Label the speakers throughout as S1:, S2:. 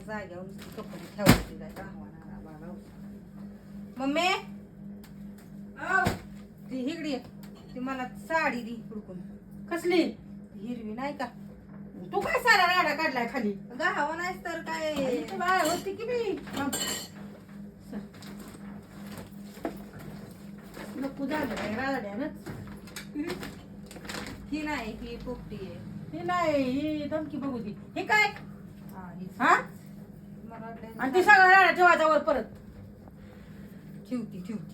S1: जाग्यावर कपडे ठेवायचे काय गावाला बाबा. मम्मी ती हिगडी आहे. ती मला साडी दी हुडकून.
S2: कसली?
S1: हिरवी नाही का?
S2: तू काय सारा राडा काढलाय खाली?
S1: गावा नाही तर काय
S2: तुला होती की मी नको झालं काय राड्यानच.
S1: ही नाही, ही पोपटी आहे.
S2: हे नाही, ही धमकी बघू दे. हे काय?
S1: हा, हीच.
S2: हा?
S1: मला वाटलं
S2: आणि ती सगळा राडा ठेवायचा वर परत.
S1: ठेवती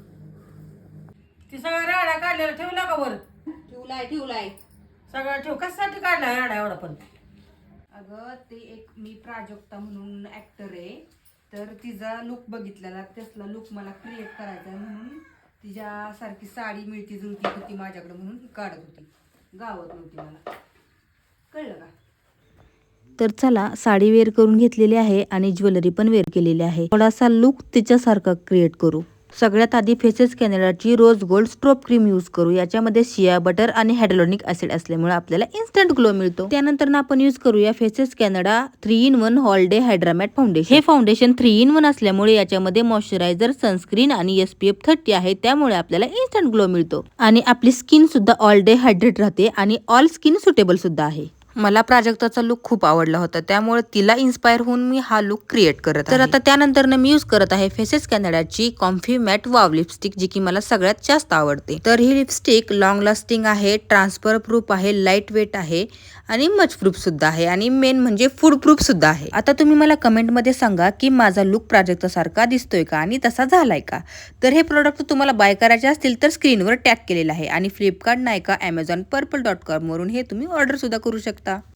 S2: ती सगळा राडा काढलेला ठेवला का वर?
S1: ठेवलाय.
S2: सगळा ठेव. कशासाठी काढला राडा एवढा पण?
S1: अगं ते एक मी प्राजक्ता म्हणून ऍक्टर आहे, तर तिचा लुक बघितलेला, त्यातला लुक मला क्रिएट करायचा आहे म्हणून तिच्यासारखी साडी मिळती जुळती होती माझ्याकडे म्हणून ही काढत होती. गावात नव्हती मला. कळलं का?
S3: तर चला, साडी वेअर करून घेतलेली आहे आणि ज्वेलरी पण वेअर केलेली आहे. थोडासा लुक तिच्यासारखा क्रिएट करू. सगळ्यात आधी फेसेस कॅनडाची rose gold strobe cream use करू. याच्यामध्ये शिया बटर आणि हायड्रोनिक ऍसिड असल्यामुळे आपल्याला इन्स्टंट ग्लो मिळतो. त्यानंतर आपण यूज करूया Faces Canada 3-in-1 all day hydra matte foundation. हे फाउंडेशन 3-in-1 असल्यामुळे याच्यामध्ये मॉइश्चरायझर, सनस्क्रीन आणि SPF 30 आहे, त्यामुळे आपल्याला इन्स्टंट ग्लो मिळतो आणि आपली स्किन सुद्धा ऑल डे हायड्रेट राहते आणि ऑल स्किन सुटेबल सुद्धा आहे. मला प्राजक्ताचा लुक खूप आवडला होता, त्यामुळे तिला इन्स्पायर होऊन मी हा लुक क्रिएट करत आहे. तर आता त्यानंतर मी यूज करत आहे फेसेस कॅनडाची कॉम्फी मॅट वाव लिपस्टिक, जी की मला सगळ्यात जास्त आवडते. तर ही लिपस्टिक लॉंग लास्टिंग आहे, ट्रान्सफर प्रूफ आहे, लाईट वेट आहे आणि मच प्रूफ सुद्धा आहे आणि मेन म्हणजे फूड प्रूफ सुद्धा आहे. आता तुम्ही मला कमेंट मध्ये सांगा की माझा लुक प्राजक्तासारखा दिसतोय का आणि तसा झालाय का? तर हे प्रोडक्ट तुम्हाला बाय करायचे असतील तर स्क्रीनवर टॅग केलेलं आहे आणि फ्लिपकार्ट, नायका, Amazon, purple.com वरून हे तुम्ही ऑर्डर सुद्धा करू शकता.